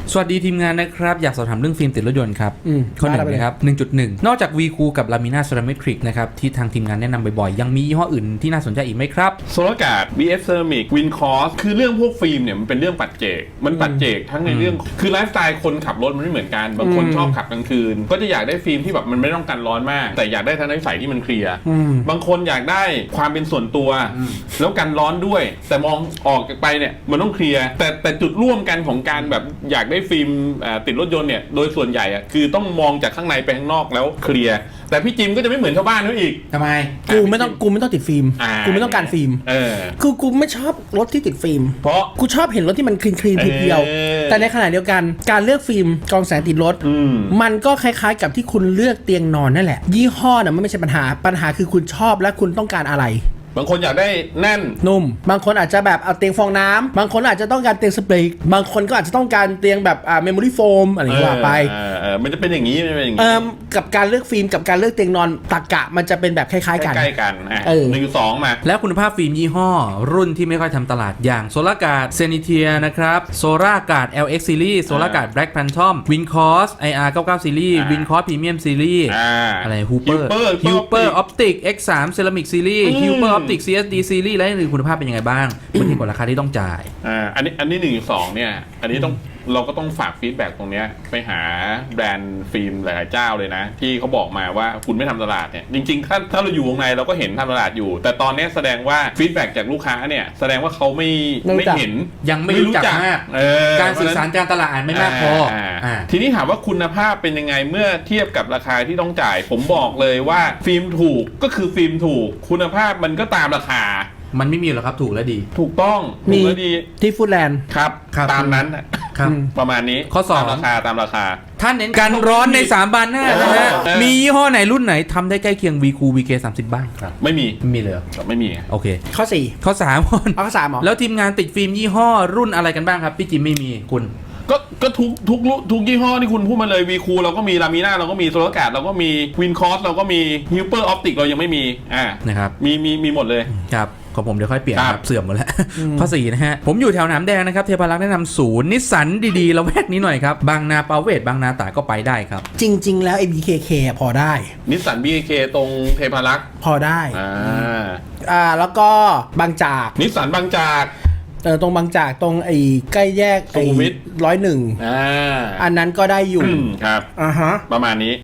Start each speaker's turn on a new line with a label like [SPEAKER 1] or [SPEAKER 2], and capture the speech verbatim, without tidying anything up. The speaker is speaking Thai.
[SPEAKER 1] สวัสดีทีมงานนะครับอยากสอบถามเรื่องฟิล์มติดรถยนต์ครับ
[SPEAKER 2] อืม
[SPEAKER 1] ข้อหนึ่ง
[SPEAKER 2] ได้ไปเลย
[SPEAKER 1] นะครับ หนึ่งจุดหนึ่ง นอกจาก วี คูล กับ Lamina Ceramic นะครับที่ทางทีมงานแนะนำบ่อยๆยังมียี่ห้ออื่นที่น่าสนใจอีกไหมครับ
[SPEAKER 3] โซลาร์การ์ด บี เอฟ Ceramic Wincors คือเรื่องพวกฟิล์มเนี่ยมันเป็นเรื่องปัจเจกมันปัจเจกทั้งในเรื่องคือไลฟ์สไตล์คนขับรถมันไม่เหมือนกันบางคนชอบขับกลางคืนก็จะอยากได้ฟิล์มที่แบบมันไม่ต้องกันร้อนมากแต่อยากได้ทัศนวิสัยที่มันเคลียร์บางคนอยากได้ความเป็นส่วนตัวแล้วกันร้อนด้วยแต่มองออกไปเนี่ยมันต้องเคลียร์แต่แต่จุดร่วมกันของการแบบอยากได้ฟิล์มติดรถยนต์เนี่ยโดยส่วนใหญ่อะคือต้องมองจากข้างในไปข้างนอกแล้วเคลียร์แต่พี่จิมก็จะไม่เหมือนชาวบ้านเขาอีก
[SPEAKER 1] ทำไม
[SPEAKER 2] กูไม่ต้องกูไม่ต้องติดฟิล์ม
[SPEAKER 3] อ่า
[SPEAKER 2] กูไม่ต้องการฟิล์ม
[SPEAKER 3] เออ
[SPEAKER 2] คือกูไม่ชอบรถที่ติดฟิล์ม
[SPEAKER 3] เพราะ
[SPEAKER 2] กูชอบเห็นรถที่มันคลีนคลีน
[SPEAKER 3] เออ
[SPEAKER 2] เพียวๆแต่ในขณะเดียวกันการเลือกฟิล์มกรองแสงติดรถ
[SPEAKER 3] อืม
[SPEAKER 2] มันก็คล้ายๆกับที่คุณเลือกเตียงนอนนั่นแหละ ยี่ห้อน่ะมันไม่ใช่ปัญหาปัญหาคือคุณชอบและคุณต้องการอะไร
[SPEAKER 3] บางคนอยากได้แน่น
[SPEAKER 2] นุ่มบางคนอาจจะแบบเอาเตียงฟองน้ำบางคนอาจจะต้องการเตียงสเปรย์บางคนก็อาจจะต้องการเตียงแบบอ่าเมมโมรี่โฟมอะไรอย่างเงี้ยว่าไป
[SPEAKER 3] เออเออมันจะเป็นอย่างนี้มันเป็นอย่าง
[SPEAKER 2] เอ่
[SPEAKER 3] นี้
[SPEAKER 2] อกับการเลือกฟิล์มกับการเลือกเตียงนอนตรรกะมันจะเป็นแบบคล้ายๆกัน
[SPEAKER 3] ใกล้ๆกันอ่ะ
[SPEAKER 2] เออ
[SPEAKER 3] หนึ่งสองมา
[SPEAKER 1] แล้วคุณภาพฟิล์มยี่ห้อ รุ่นที่ไม่ค่อยทำตลาดอย่าง Solarguard Zenithia นะครับ Solarguard แอล เอ็กซ์ Series Solarguard Black Phantom Wincors ไอ อาร์ เก้าสิบเก้า Series
[SPEAKER 3] อ่า
[SPEAKER 1] Wincors Premium Series
[SPEAKER 3] อ่า
[SPEAKER 1] อะไร Hooper
[SPEAKER 3] Hooper
[SPEAKER 1] Hooper Optic เอ็กซ์ ทรี Ceramic Series
[SPEAKER 3] อืม
[SPEAKER 1] Hooper Optic ซี เอส ดี Series และอื่นคุณภาพเป็นยังไงบ้างเมื่อเทียบกับราคาที่ต้องจ่าย
[SPEAKER 3] อ่าอันนี้อันนี้หนึ่งสองเนี่ยอันนี้ต้องเราก็ต้องฝากฟีดแบ็กตรงเนี้ยไปหาแบรนด์ฟิล์มหลายๆเจ้าเลยนะ ที่เขาบอกมาว่าคุณไม่ทำตลาดเนี่ยจริงๆถ้าถ้าเราอยู่วงในเราก็เห็นทำตลาดอยู่ แต่ตอนนี้แสดงว่าฟีดแบ็กจากลูกค้าเนี่ยแสดงว่าเขาไม่
[SPEAKER 2] ไม่รู้
[SPEAKER 3] ไม่
[SPEAKER 2] จัก
[SPEAKER 3] เห็น
[SPEAKER 1] ยังไม่รู้จักมาก
[SPEAKER 3] เออ
[SPEAKER 1] การสื่อสารการตลาดไม่มากพออ่า
[SPEAKER 3] ทีนี้ถามว่าคุณภาพเป็นยังไงเมื่อเทียบกับราคาที่ต้องจ่าย ผมบอกเลยว่าฟิล์มถูกก็คือฟิล์มถูกคุณภาพมันก็ตามราคา
[SPEAKER 1] มันไม่มีหรอกครับถูกและดี
[SPEAKER 3] ถูกต้อง
[SPEAKER 2] มี
[SPEAKER 3] ถูกและดี
[SPEAKER 2] ที่ฟูดแลนด์
[SPEAKER 3] ครับ
[SPEAKER 1] ครับ
[SPEAKER 3] ตามนั้นน่ะ
[SPEAKER 1] ครับ
[SPEAKER 3] ประมาณนี้
[SPEAKER 1] ข้อสอง
[SPEAKER 3] ตามราคาตามราคา
[SPEAKER 1] ท่านเน้นกันร้อนในสามบานหน้านะฮะ
[SPEAKER 3] เออ
[SPEAKER 1] มียี่ห้อไหนรุ่นไหนทำได้ใกล้เคียง วี คูล วี เค สามสิบ บ้างครับ
[SPEAKER 3] ไม่มี
[SPEAKER 1] ไม่มีเลยเหรอ
[SPEAKER 3] ไม่มี
[SPEAKER 1] โอเค
[SPEAKER 2] ข้อสี่
[SPEAKER 1] ข้อสามคน
[SPEAKER 2] เอาข้อสามเหรอ
[SPEAKER 1] แล้วทีมงานติดฟิล์มยี่ห้อรุ่นอะไรกันบ้างครับ พี่จิมไม่มีคุณ
[SPEAKER 3] ก็ก็ทุกทุกรุ่นทุกยี่ห้อที่คุณพูดมาเลยวีคูเราก็มีลามีนาเราก็มีโซลาร์การ์ดเราก็มีวินคอสเราก็มีฮิวเปอร์ออปติกเรายังไม่มีอ่า
[SPEAKER 1] นะครับ
[SPEAKER 3] มีมีมีหมดเลย
[SPEAKER 1] ครับของผมเดี๋ยวค่อยเปลี่ยน
[SPEAKER 3] ครับ
[SPEAKER 1] ครับเสื่อมหมดแล้ว ข้อสี่นะฮะ ผมอยู่แถวหนามแดงนะครับ เทพารักษ์แนะนำศูนย์นิสสันดีๆละแวกนี้หน่อยครับ บางนาปาเวศบางนาตราดก็ไปได้ครับ
[SPEAKER 2] จริง ๆ แล้ว เอ บี เค เค อะพอได้
[SPEAKER 3] นิสสันบีเคตรงเทพารักษ์
[SPEAKER 2] พอได้
[SPEAKER 3] อ่า
[SPEAKER 2] อ่าแล้วก็บางจาก
[SPEAKER 3] นิสสันบางจาก
[SPEAKER 2] เออตรงบางจากตรงไอ้ใกล้แยก
[SPEAKER 3] สุขุมวิท
[SPEAKER 2] ร้อยหนึ่ง
[SPEAKER 3] อ่า
[SPEAKER 2] อันนั้นก็ได้อยู่
[SPEAKER 3] อืมครับ
[SPEAKER 2] อ่าฮะ
[SPEAKER 3] ประมาณนี้